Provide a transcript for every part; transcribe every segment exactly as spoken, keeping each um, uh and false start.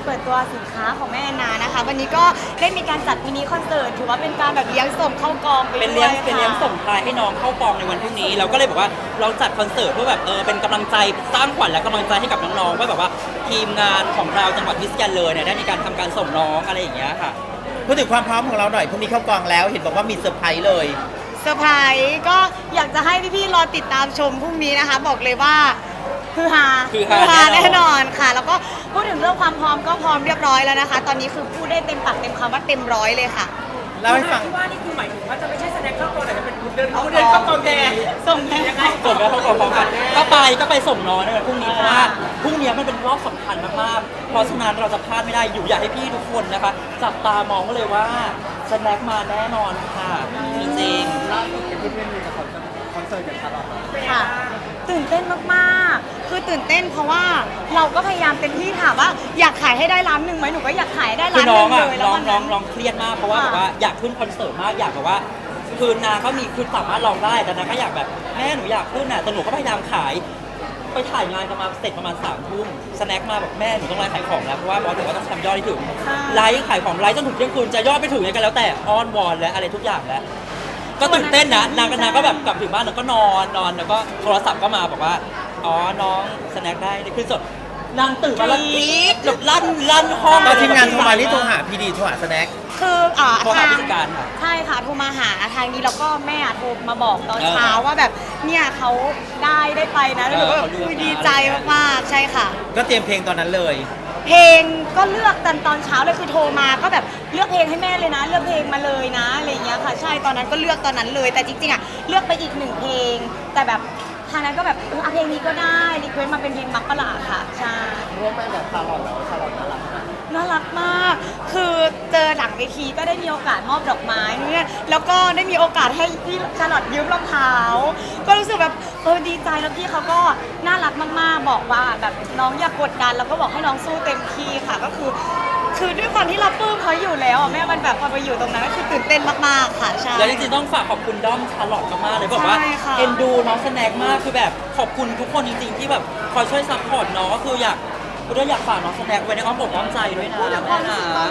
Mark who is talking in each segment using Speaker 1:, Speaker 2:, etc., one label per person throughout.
Speaker 1: เปิดตัวสินค้าของแม่แอนนานะคะวันนี้ก็ได้มีการจัดมินิคอนเสิร์ตถือว่าเป็นการแบบเลี้ยงส่งเข้ากองไปด้วย
Speaker 2: เป็นเลี้ยงเป็นเลี้ยงส่งท้ายให้น้องเข้ากองในวันพรุ่งนี้เราก็เลยบอกว่าเราจัดคอนเสิร์ตเพื่อแบบเออเป็นกำลังใจสร้างขวัญและกำลังใจให้กับน้องๆว่าแบบว่าทีมงานของเราจังหวัดพิษณุโลกเนี่ยได้มีการทำการส่งน้องอะไรอย่างเงี้ยค่ะ
Speaker 3: พูดถึงความพร้อมของเราหน่อยพรุ่งนี้เข้ากองแล้วเห็นบอกว่ามีเซอร์ไพรส์เลย
Speaker 1: เซอร์ไพรส์ก็อยากจะให้พี่ๆรอติดตามชมพรุ่งนี้นะคะบอกเลยว่าคือฮา
Speaker 2: คือฮา
Speaker 1: แน่นอนค่ะแล้วก็พูดถึงเรื่องความพร้อมก็พร้อมเรียบร้อยแล้วนะคะตอนนี้คือพูดได้เต็มปากเต็มคำว่าเต็มร้อยเลยค่ะ
Speaker 3: เล่าให้ฟัง
Speaker 4: ว่านี่คือหมายถึงว่าจะไม่ใช่แสดงเข้ากองแต่จะเป็นเดินเขาเดินเข้ากองแดง
Speaker 1: ส่งแม่
Speaker 4: ยังไง
Speaker 2: ส่งแล้วเข้ากองพร้อมกันก็ไปก็ไปส่งน้องในวันพรุ่งนี้เพราะว่าพรุ่งนี้มันเป็นรอบสำคัญมากๆเพราะฉะนั้นเราจะพลาดไม่ได้อยู่อยากให้พี่ทุกคนนะคะจับตามองก็เลยว่าสแน็คมาแน่นอนค่ะจริงๆ
Speaker 4: ล่าสุดเป็นเพื่อนๆมีกับคอนเสิร์ตอย่างตลอด
Speaker 1: ค่ะตื่นเต้นมากๆคือตื่นเต้นเพราะว่าเราก็พยายามเต็มที่ถามว่าอยากขายให้ได้ล้านหนึ่งไหมหนูก็อยากขายให้ได้
Speaker 2: คื
Speaker 1: ล้า
Speaker 2: อน น้
Speaker 1: ห
Speaker 2: อง
Speaker 1: นึ่ง
Speaker 2: อ่ะ
Speaker 1: เลยแล้ว
Speaker 2: น้อง
Speaker 1: วัน
Speaker 2: น้
Speaker 1: นั้
Speaker 2: อง
Speaker 1: น
Speaker 2: น้องเครียดมากเพราะว่า
Speaker 1: ค่ะ
Speaker 2: แบบว่าอยากขึ้นคอนเสิร์ตมากอยากแบบว่าคือนางก็มีคือสามารถลองได้แต่นางก็อยากแบบแม่หนูอยากขึ้นน่ะแต่หนูก็พยายามขายไปถ่ายงานกันมาเสร็จประมาณสามทุ่มสแน็คมาบอกแม่หนูต้องไลฟ์ขายของแล้วเพราะว่าบอสบอกว่าต้องทำยอดให้ถึงไลฟ์ขายของไลฟ์จนถึงเที่ยงคืนจะยอดไม่ถึงยังไงแล้วแต่อ้อนวอนและอะไรทุกอย่างแล้วก็ตื่นเต้นนะนางก็นางก็แบบกลับถึงบ้านแล้วก็นอนนอนแล้วก็โทรศัพท์ก็มาบอกว่าอ๋อน้องสแน็คได้ได้ขึ้นสดนางตื่นมาแล้วกรี๊ดแบบลั่นลั่นห้อง
Speaker 3: ตอนทีมงานโทรมานี่โทรหาพีดีโทรหาสแน็ค
Speaker 1: คืออ่า
Speaker 2: โทรหา
Speaker 1: ทาง
Speaker 2: ผู้จัดการค่ะ
Speaker 1: ใช่ค่ะโทรมาหาทางนี้แล้วก็แม่โทรมาบอกตอน
Speaker 2: เออ
Speaker 1: เช้าว่าแบบเนี่ยเขาได้ได้ไปนะแล้วหนูก็แบบ
Speaker 2: เออเขาเลือก
Speaker 1: อุ๊ย
Speaker 2: นะ
Speaker 1: ดีใจมากๆใช่ค่ะ
Speaker 3: ก็เตรียมเพลงตอนนั้นเลย
Speaker 1: เพลงก็เลือกตอนตอนเช้าเลยคือโทรมาก็แบบเลือกเพลงให้แม่เลยนะ เลือกเพลงมาเลยนะอะไรอย่างเงี้ยค่ะใช่ตอนนั้นก็เลือกตอนนั้นเลยแต่จริงๆอ่ะเลือกไปอีกหนึ่งเพลง แต่แบบทางนั้นก็แบบเออเอาเพลงนี้ก็ได้รีเควสต์มาเป็นเพลงมักกะลาค่ะใช่
Speaker 4: ร่วมไปแบบตลอดแล้วตลอดน่ารักมาก
Speaker 1: น่ารักมาก คือเจอหลังเวทีก็ได้มีโอกาสมอบดอกไม้เนี่ยแล้วก็ได้มีโอกาสให้พี่ชาลอตยืมรองเท้า ก็รู้สึกแบบเออดีใจแล้วพี่เขาก็น่ารักมากๆ บอกว่าแบบน้องอย่ากกดดันแล้วก็บอกให้น้องสู้เต็มที่ค่ะก็คือ คือด้วยความที่เราปลื้มเขาอยู่แล้วอ่ะแม่มันแบบพอไปอยู่ตรงนั้นก็คือตื่นเต้นมากๆค่ะใช่
Speaker 2: แล้วจริงๆต้องฝากขอบคุณด้อมชาร์ลอตมากๆเลยบอกว่า
Speaker 1: ใช่ค่ะ
Speaker 2: เอ็นดูน้องสแน็คมากคือแบบขอบคุณทุกคนจริงๆที่แบบคอยช่วยซัพพอร์ตน้องก็คืออยากคืออยากฝากน้องสแน็คไว้ในอ้อมอกอ้อมใจด้วยนะแม่นะ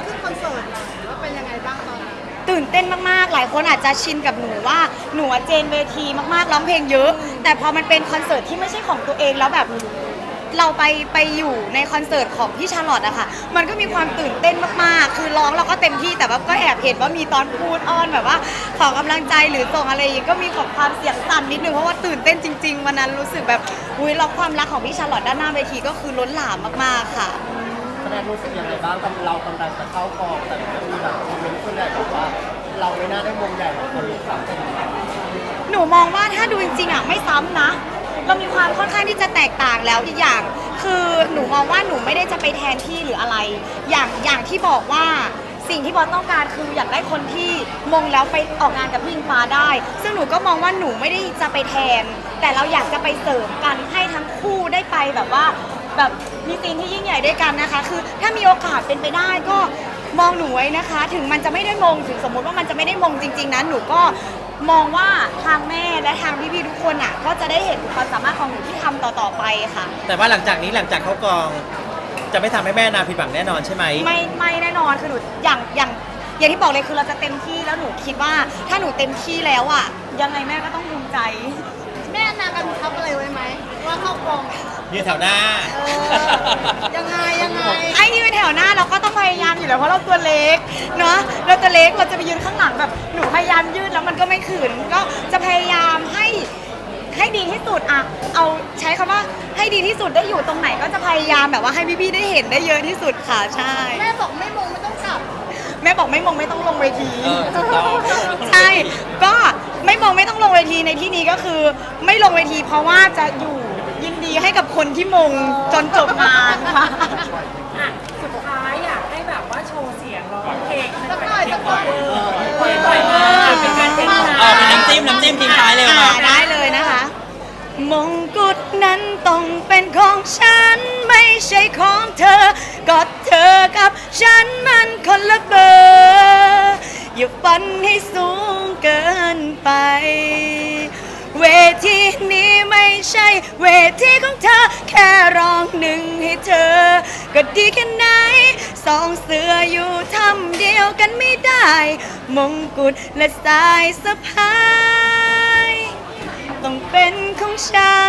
Speaker 1: ตื่นเต้นมากๆ หลายคนอาจจะชินกับหนูว่าหนูอะเจนเวทีมากๆ ร้องเพลงเยอะ แต่พอมันเป็นคอนเสิร์ตที่ไม่ใช่ของตัวเองแล้วแบบเราไปไปอยู่ในคอนเสิร์ตของพี่ชาร์ลอตอะค่ะ มันก็มีความตื่นเต้นมากๆ คือร้องเราก็เต็มที่แต่ว่าก็แอบเห็นว่ามีตอนพูดอ้อนแบบว่าขอกำลังใจหรือส่งอะไรอย่างงี้ก็มีของความเสียงสั่นนิดนึงเพราะว่าตื่นเต้นจริงๆวันนั้นรู้สึกแบบอุ้ยแล้วความรักของพี่ชาร์ลอตด้านหน้าเวทีก็คือล้นหลามมากๆค่ะ
Speaker 4: แสดงรู้สึกยังไงบ้างกับเรากำลังจะเข้ากองแต่ก็มีแบบคอมเมนต์ส่วนใหญ่บอกว่าเราไม่น่าได้วงใหญ่หรอกคนรู้จักกัน
Speaker 1: หนูมองว่าถ้าดูจริงๆอ่ะไม่ซ้ำนะเรามีความค่อนข้างที่จะแตกต่างแล้วอีกอย่าง คือหนูมองว่าหนูไม่ได้จะไปแทนที่หรืออะไร อย่างอย่างที่บอกว่าสิ่งที่บอสต้องการคืออยากได้คนที่มงแล้วไปออกงานกับพี่อิงฟ้าได้ ซึ่งหนูก็มองว่าหนูไม่ได้จะไปแทน แต่เราอยากจะไปเสริมกันให้ทั้งคู่ได้ไปแบบว่าแบบมีซีนที่ยิ่งใหญ่ด้วยกันนะคะ คือถ้ามีโอกาสเป็นไปได้ก็มองหนูไว้นะคะ ถึงมันจะไม่ได้มงถึงสมมติว่ามันจะไม่ได้มงจริงๆนั้นหนูก็มองว่าทางแม่และทางพี่ๆทุกคนอ่ะก็จะได้เห็นความสามารถของหนูที่ทำต่อๆไปค่ะ
Speaker 3: แต่ว่าหลังจากนี้หลังจากเข้ากองจะไม่ทำให้แม่นาผิดหวังแน่นอนใช่ไหม
Speaker 1: ไม่ไม่แน่นอนคือหนูอย่างอย่างอย่างที่บอกเลยคือเราจะเต็มที่แล้วหนูคิดว่าถ้าหนูเต็มที่แล้วอ่ะยังไงแม่ก็ต้องภูมิใจ
Speaker 5: แม่นากำชับอะไรไว้ไหมว่าเข้ากอง
Speaker 3: ยืนแถวหน้า
Speaker 5: เออยังไงยังไง
Speaker 1: ไอ้ยืนแถวหน้าเราก็ต้องพยายามอยู่แล้วเพราะเราตัวเล็กเนาะเราตัวเล็กเราจะไปยืนข้างหลังแบบหนูพยายามยืดแล้วมันก็ไม่ขืนก็จะพยายามให้ให้ดีที่สุดอะเอาใช้คำว่าให้ดีที่สุดได้อยู่ตรงไหนก็จะพยายามแบบว่าให้พี่ๆได้เห็นได้เยอะที่สุดค่ะใช่
Speaker 5: แม่บอกไม่มงไม่ต้องกลับ
Speaker 1: แม่บอกไม่มองไม่ต้องลงเวที
Speaker 2: เออถูกต้อง
Speaker 1: ใช่ ก็ไม่มองไม่ต้องลงเวทีในที่นี้ก็คือ ไม่ลงเวทีเพราะว่าจะอยู่ยินดีให้กับคนที่มงจนจบงานค่ะ
Speaker 4: อ่ะสุดท้ายอยากให้แบบว่าโชว์เสียงร้องเพลง
Speaker 5: สักหน่อยสักหน่อย
Speaker 4: ปล่อยปล่อยมาเป็นการเต้น
Speaker 2: เอาเป็นน้ำจิ้มน้ำจิ้มทิ้งท้ายเลย
Speaker 1: อ่า
Speaker 2: มา
Speaker 1: ได้เลยนะคะ มงกุฎนั้นต้องเป็นของฉันไม่ใช่ของเธอ ก็เธอกับฉันมันคนละเบอร์อย่าฝันให้สูงเกินไป เวทีนี้ไม่ใช่เวทีของเธอ แค่ร้องหนึ่งให้เธอ ก็ดีแค่ไหนสองเสืออยู่ทำเดียวกันไม่ได้ มงกุฎและสายสะพาย ต้องเป็นของฉั